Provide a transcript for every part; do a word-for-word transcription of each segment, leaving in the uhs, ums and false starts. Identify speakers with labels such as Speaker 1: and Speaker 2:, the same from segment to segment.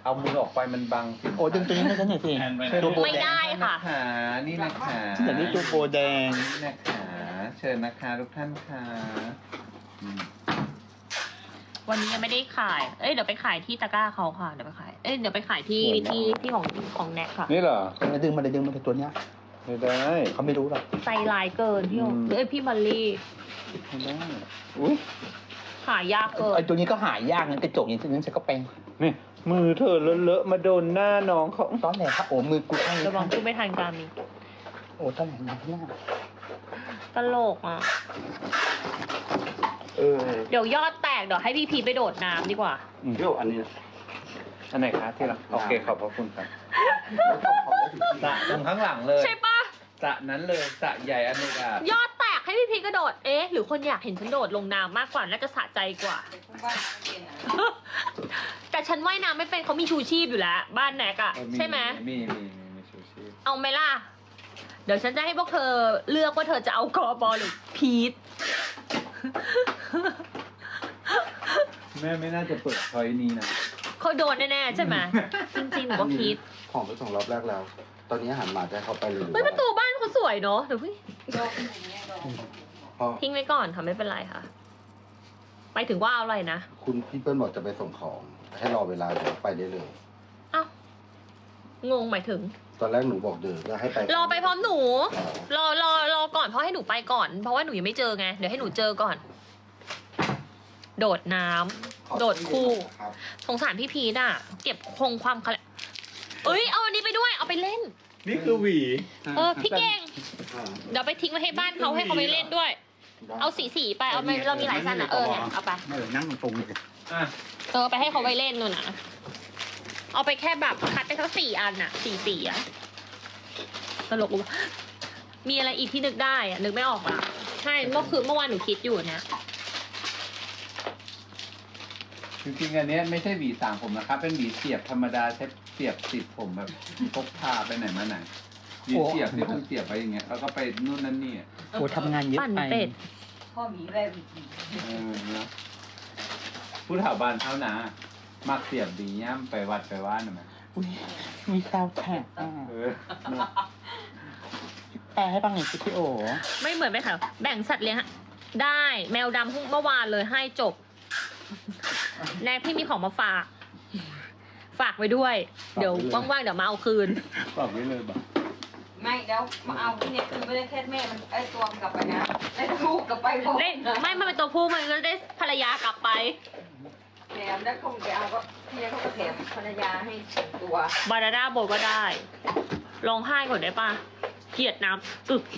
Speaker 1: เอามือออกไปมันบังสิ
Speaker 2: โอ้ดึงตัวนี้ให้ฉันหน่อยสิตัวโบ
Speaker 3: ไม่
Speaker 2: แด
Speaker 3: ได้
Speaker 2: ง
Speaker 3: ค่ะ
Speaker 1: ขานี่นะคะ
Speaker 2: ฉันอยากได้ตัวโบแดง
Speaker 1: นี่นะคะเชิญนะคะทุกท่านค่ะอืม
Speaker 3: วันนี้ยังไม่ได้ขาย เอ้ยเดี๋ยวไปขายที่ตะกร้าเขาค่ะ เดี๋ยวไปขาย เอ้ยเดี๋ยวไปขายที่ที่ที่ของของแน็กค่ะ
Speaker 1: นี่เหรอ
Speaker 2: มาดึงมาเลยดึงมาเลยตัวเนี้ย
Speaker 1: ไม่ได้
Speaker 2: เขาไม่รู้หรอก
Speaker 3: ใจลายเกินพี่โอ
Speaker 1: อืม
Speaker 3: เอ้ยพี่บัลลี่
Speaker 1: ไม่ได้อุ้ย
Speaker 3: ขายยากเกิน
Speaker 2: ไอ้ตัวนี้ก็หายากงั้นกระจกอย่างนั้นฉันก็เป็น
Speaker 1: นี่มือเธอเลอะๆมาโดนหน้าน้องเขา
Speaker 2: ตอนไหนครับโอ้มือกูข้าง
Speaker 3: ระวังพูดไม่ทันการมี
Speaker 2: โอ้ตอนไหนนะหน้า
Speaker 3: ตลกอ่ะ
Speaker 2: เออ
Speaker 3: เดี๋ยวยอดแตกเดี๋ยวให้พี่พีไปโดดน้ำดีกว่า
Speaker 2: เดี๋ยวอันนี้
Speaker 1: อันไหนคะที่รักโอเคขอบพระคุณครับสระตรงข้างหลังเลย
Speaker 3: ใช่ปะ
Speaker 1: สระนั้นเลยสระใหญ่อันนี้อ่ะ
Speaker 3: ยอดแตกให้พี่พีกระโดด เอ๊ะ หรือคนอยากเห็นฉันโดดลงน้ำมากกว่า น่าจะสะใจกว่า แต่ฉันว่ายน้ำไม่เป็นเขามีชูชีพอยู่แล้ว บ้านแนกอะ
Speaker 1: เออ
Speaker 3: ใช่ไหม
Speaker 1: มีมีมีมีชูชีพ
Speaker 3: เอาไหมล่ะ เดี๋ยวฉันจะให้พวกเธอเลือกว่าเธอจะเอากอบอลหรือพีท
Speaker 1: แม่ไม่น่าจะเปิดพอยนี้นะ
Speaker 3: เขาโดนแน่ๆใช่ไหม จริงๆหนูว่าพีท
Speaker 4: ของไปส่งรอบแรกแล้ว ตอนนี้อาหารหมาจะเข้าไปเลย
Speaker 3: เฮ้ยประตูบ้านเขาสวยเนอะเดี๋ยวพี่
Speaker 4: เพราะ
Speaker 3: ทิ้งไว้ก่อนค่ะไม่เป็นไรค่ะ ไปถึงว่าเอาอะไรนะ
Speaker 4: คุณพี่เปิ้ลบอกจะไปส่งของ ให้รอเวลาเดี๋ยวไปได้เลย
Speaker 3: อ้าว งงหมายถึง
Speaker 4: ตอนแรกหนูบอกเดินแล้วให้ไป
Speaker 3: รอไปพร้อมหนู
Speaker 4: อ๋อ
Speaker 3: รอรอรอก่อนเพราะให้หนูไปก่อน เพราะว่าหนูยังไม่เจอไง เดี๋ยวให้หนูเจอก่อน โดดน้ำ
Speaker 4: ขอ
Speaker 3: โดดคู่
Speaker 4: ครับ
Speaker 3: สงสารพี่พีน่ะ เก็บคงความคะเอ้ย เอาอันนี้ไปด้วย เอาไปเล่น
Speaker 1: นี่คือหวี
Speaker 3: เออ พี่เก่ง
Speaker 4: อ่า
Speaker 3: เดี๋ยวไปทิ้งไว้ให้บ้านเขาให้เขาไปเล่นด้วย
Speaker 4: ได้
Speaker 3: เอาสีสีๆไป เอาไปเรามีหลายสั้นอ่ะ เออเนี่ยเอาไป
Speaker 2: เออนั่งตรงๆเลย
Speaker 1: อ่ะ
Speaker 3: เออไปให้เขาไปเล่นนู่นน่ะ เอาไปแค่แบบคัดไปทั้งสี่อันน่ะสี่สีอ่ะตลกว่ะมีอะไรอีกที่นึกได้อ่ะ นึกไม่ออกอ่ะ ใช่ เมื่อคืนเมื่อวานหนูคิดอยู่เนี่ย
Speaker 1: จริงๆอันเนี้ยไม่ใช่หวีสางผมนะครับ เป็นหวีเสียบธรรมดาใช้เสียบติดผมแบบพกพาไปไหนมาไหนหวีเสียบที่มันเสียบไปอย่างเงี้ยแล้วก็ไปนู่นนั่นนี่อะ
Speaker 2: โอ้ทำงานเยอะ
Speaker 3: ปั่น
Speaker 2: ไป
Speaker 3: เป็ด
Speaker 5: พ่อหมีแบบ
Speaker 1: เออเนาะผู้แถวบ้านเท่านะมักเสียบดีย่ำไปวัดไปว่านหน่อยไหม
Speaker 2: อุ๊ยมีซาวด์แทร็กอ่ะ
Speaker 1: เออเนอะ
Speaker 2: แปลให้ฟังหน่อยสิพี่โอ
Speaker 3: ไม่เหมือนไปค่ะ แบ่งสัตว์เลี้ยงอะได้แมวดำเมื่อวานเลยให้จบ แนกพี่มีของมาฝาก ฝากไว้ด้วย เดี๋ยวว่างๆเดี๋ยวมาเอาคืน
Speaker 1: บอกไว้เลยบอก
Speaker 5: ไม่แล้วมาเอาที่เนี่ยคือไม่ได้แค่แม่มันไอ้ตัวมันกลับไปนะไอ้ลูกกลับไปพร้อม
Speaker 3: เล่นไม่มันเป็นตัวผู้มันก็ได้ภรรยากลับไป
Speaker 5: แถมแล้วเขาไปเอาก็ที่เนี่ยเขาก็แถมภรรยาให้ส่งตัว
Speaker 3: บานาน่าโบก็ได้ร้องไห้ก่อนได้ปะเกลียดน้ำอึก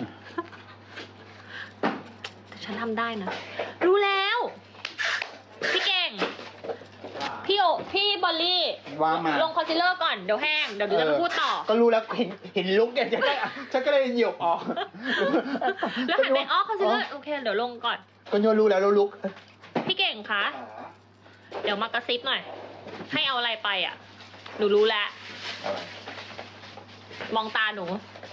Speaker 3: แต่ฉันทำได้นะ รู้แล้ว พี่เก่ง พี่โอพี่บอลลี่
Speaker 2: ว่ามา
Speaker 3: ลงคอนซีลเลอร์ก่อน เดี๋ยวแห้ง เดี๋ยวเดี๋ยวจะมาพูดต่อ
Speaker 2: ก็รู้แล้วเห็นเห็นลุกเนี่ยฉันก็ฉันก็เลยเหยียบออก
Speaker 3: แล้วหันไปอ๋อคอนซีลเลอร์โอเค เดี๋ยวลงก่อน
Speaker 2: ก็โยนรู้แล้วแล้วลุก
Speaker 3: พี่เก่งคะ เดี๋ยวมากระซิบหน่อย ให้เอาอะไรไปอ่ะ หนูรู้แล้ว
Speaker 1: อะไร
Speaker 3: มองตาหนู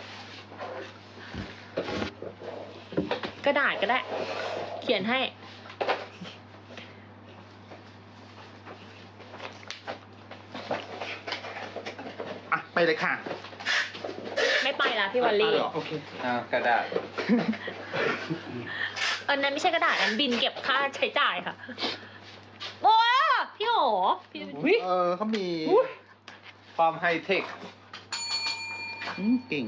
Speaker 3: กระดาษก็ได้ เขียนให้
Speaker 2: อ่ะไปเลยค่ะ
Speaker 3: ไม่ไปละพี่วอลลี่
Speaker 2: อ่ะเหรอโอเค
Speaker 1: อ่ากระดาษ
Speaker 3: อันนั้นไม่ใช่กระดาษอันบินเก็บค่าใช้จ่ายค่ะ โอ้พี่โหพี่
Speaker 1: อุ๊ย
Speaker 2: เออเขามี
Speaker 1: ความไฮเทค
Speaker 2: อืมเก่ง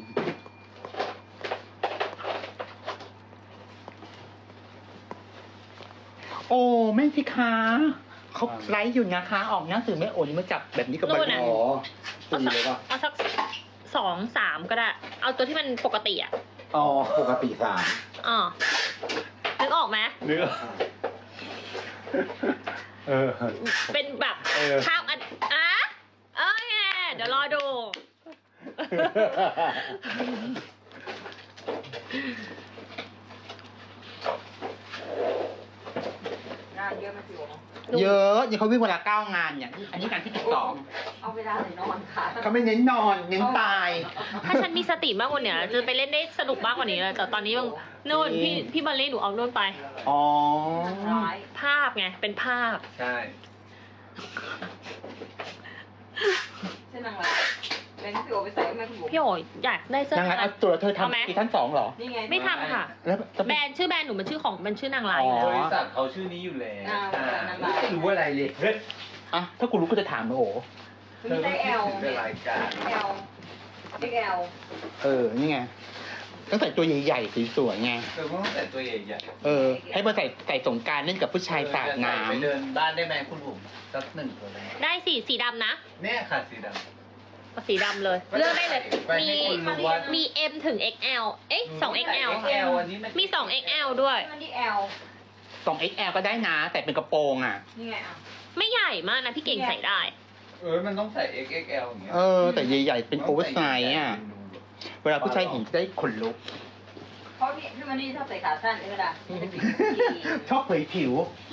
Speaker 2: โอ้แม่พี่ค้าเขาไลฟ์อยู่นะคะ ออกหนังสือแม่โอนี่มาจับแบบนี้กับบัตร
Speaker 4: อ๋อ
Speaker 3: เอา
Speaker 4: ตี
Speaker 3: สัก
Speaker 4: เลยป่ะ
Speaker 3: เอาสักสองสามก็ได้ เอาตัวที่มันปกติอ่ะ
Speaker 2: อ๋อ
Speaker 4: ปกติสาม
Speaker 3: อ๋อนึกออกไหม
Speaker 1: เนื้อเออ
Speaker 3: เป็นแบบ
Speaker 1: เออ
Speaker 3: ข้าวอันอ่ะโอเคเดี๋ยวรอดู
Speaker 5: งานเยอะไหมพี่โอ๋
Speaker 2: เยอะอย่างเขาวิ่งเวลาเก้างานเนี่ยอันนี้การที่ติดต่อ
Speaker 5: เอาเวลาไหนนอนค่ะ
Speaker 2: เขาไม่เน้นนอนเน้นตาย
Speaker 3: ถ้าฉันมีสติมากกว่านี้จะไปเล่นได้สนุกมากกว่านี้เลยแต่ตอนนี้มันนู่นพี่พี่บอลลี่หนูเอานู่นไป
Speaker 2: อ๋อ
Speaker 5: ร้าย
Speaker 3: ภาพไงเป็นภาพ
Speaker 1: ใช่
Speaker 5: โอไปใส่ไหมคุณบุ๋ม
Speaker 3: พี่โอ๋อยากได้เสื้อ
Speaker 2: ยังไง
Speaker 3: อะไร
Speaker 2: เอาตัวเธอ
Speaker 3: เอาไหม
Speaker 2: ทำซีซั่นสองเหรอ
Speaker 5: นี่ไง
Speaker 3: ไม่ทำค่ะ
Speaker 2: แล้วจะ
Speaker 3: แบรนด์ชื่อแบรนด์หนูมันชื่อของมันชื่อนางร้ายอยู่
Speaker 2: อ๋
Speaker 3: แล้
Speaker 2: อ
Speaker 3: ว
Speaker 1: บริษัทเขาชื่อนี้อยู่แล้ว
Speaker 5: อ่าบริษัทนางร้าย
Speaker 1: ไม่รู้อะไรเลยเฮ้ย
Speaker 2: อ่ะถ้ากูรู้ก็จะถามนะโอ้
Speaker 5: คือมีไซส์ L
Speaker 1: เป็นรายการ
Speaker 5: L เอ็กซ์ แอล
Speaker 2: เออ นี่ไงต้องใส่ตัวใหญ่ๆสวยๆไง
Speaker 1: เธอต้องแต่ตัวใหญ่
Speaker 2: เออ ให้มาใส่ใส่สงกรารเล่นกับผู้ชายสาดน้
Speaker 1: ไปเดินบ้านได้ไหมคุณบุ๋มสักหนึ่งตัวเลย
Speaker 3: ได้สีสีดำนะ
Speaker 1: เนี่ยค่ะสีดำ
Speaker 3: เอาสีดำเลย เลือกได้เลย
Speaker 1: ไป
Speaker 3: มี
Speaker 1: ให้คนรู้ว่า
Speaker 3: มี M ถึง เอ็กซ์ แอล เอ๊ะสอง เอ็กซ์ แอล
Speaker 1: เอ็กซ์แอลอันนี้น
Speaker 3: มีสอง เอ็กซ์ แอล ด้วย
Speaker 5: มันที่ L
Speaker 2: ำสอง เอ็กซ์ แอล ก็ได้นะ แต่เป็นกระโปรงอ่ะ
Speaker 5: นี่ไงอ่ะ
Speaker 3: ไม่ใหญ่มากนะพี่เก่งใส่ได้
Speaker 1: เออมันต้องใส่ เอ็กซ์ เอ็กซ์ แอล อย่างเงี้ย
Speaker 2: เออ แต่ใหญ่ๆ เป็นโอเวอร์ไซส์อ่ะ เวลาผู้ชายเห็นจะได้ขนลุก
Speaker 5: เพราะพี่พี่มันนี่ชอบใส่ขาสั้นนี่ก็ได้มันจะผิวดี
Speaker 2: ชอบเผยผิว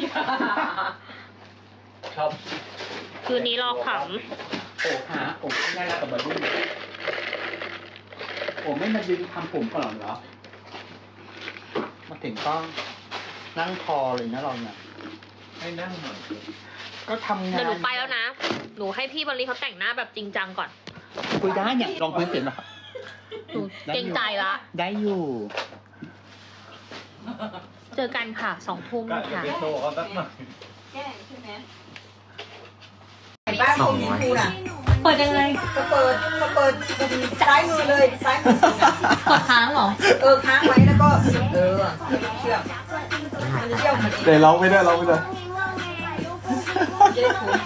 Speaker 1: ชอบ
Speaker 3: คืนนี้รอข
Speaker 2: โอ้หาโอ้ง่ายแล้วกับบอลลูนโอ้ไม่มายืนทำผมก่อนเหรอ มาถึงก็นั่งคอเลยนะเราเนี่ย
Speaker 1: ให้นั่งหน่อย
Speaker 2: ก็ทำ
Speaker 3: ำ
Speaker 2: งาน
Speaker 3: เดี๋ยวหนูไปแล้วนะ หนูให้พี่บอลลี่เขาแต่งหน้าแบบจริงจังก่อน
Speaker 2: คุยได้เนี่ยลองพื้นเสียงหน่อย
Speaker 3: หนูเกรงใจละ
Speaker 2: ได้อยู่
Speaker 3: เจอกันค่ะสองทุ่ม
Speaker 1: ก็จะ
Speaker 3: ค่ะ
Speaker 1: ไปโชว์เขาสักหน่อย
Speaker 5: แก้ใช่ไหมไอ้บ้านคุณมีครูน่ะ
Speaker 3: เปิดยังไง
Speaker 5: ก็เปิดก็เปิดซ้ายมือเลยซ้ายมือก
Speaker 3: ดค้างเหรอ
Speaker 5: เออค้างไว้แล้วก็เออเชื่อมมันจะเชื่อมมันเอง
Speaker 4: เดี๋ยวร้องไม่ได้ร้องไม่ได้
Speaker 5: จะได้ถูก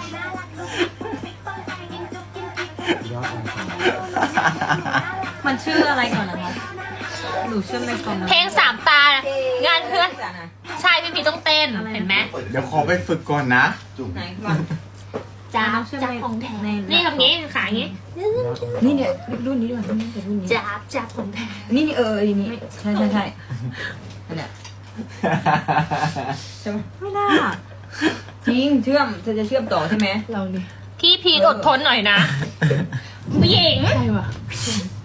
Speaker 6: มันชื่ออะไรก่อนนะคะ หนูเชื่อในคอมนะ
Speaker 3: เพลงสามตา งานเพื่อน
Speaker 5: จ้ะนะ
Speaker 3: ใช่พี่พีต้องเต้น เห็นไหม
Speaker 4: เดี๋ยวขอไปฝึกก่อนนะ
Speaker 5: ไหนมา
Speaker 3: จ้า
Speaker 6: น้องเชื่อ
Speaker 3: จ้า
Speaker 6: ใน
Speaker 3: ของแท้
Speaker 6: ใน
Speaker 3: นี่ทำงี้ขาอย่างงี้
Speaker 6: นี่เนี่ยรุ่นนี้ดีกว่ารุ่นนี้รุ่นนี้
Speaker 3: จ้าจ้าของแท้
Speaker 6: นี่นี่เออนี่นี่ใช่ใช่ใช่นั่นแหละใช่ไหมไม่น่าจริงเชื่อมเธอจะเชื่อมต่อใช่ไหมเราดิ
Speaker 3: พี่พีอดทนหน่อยนะผู้หญิง
Speaker 6: ใช่ว่ะ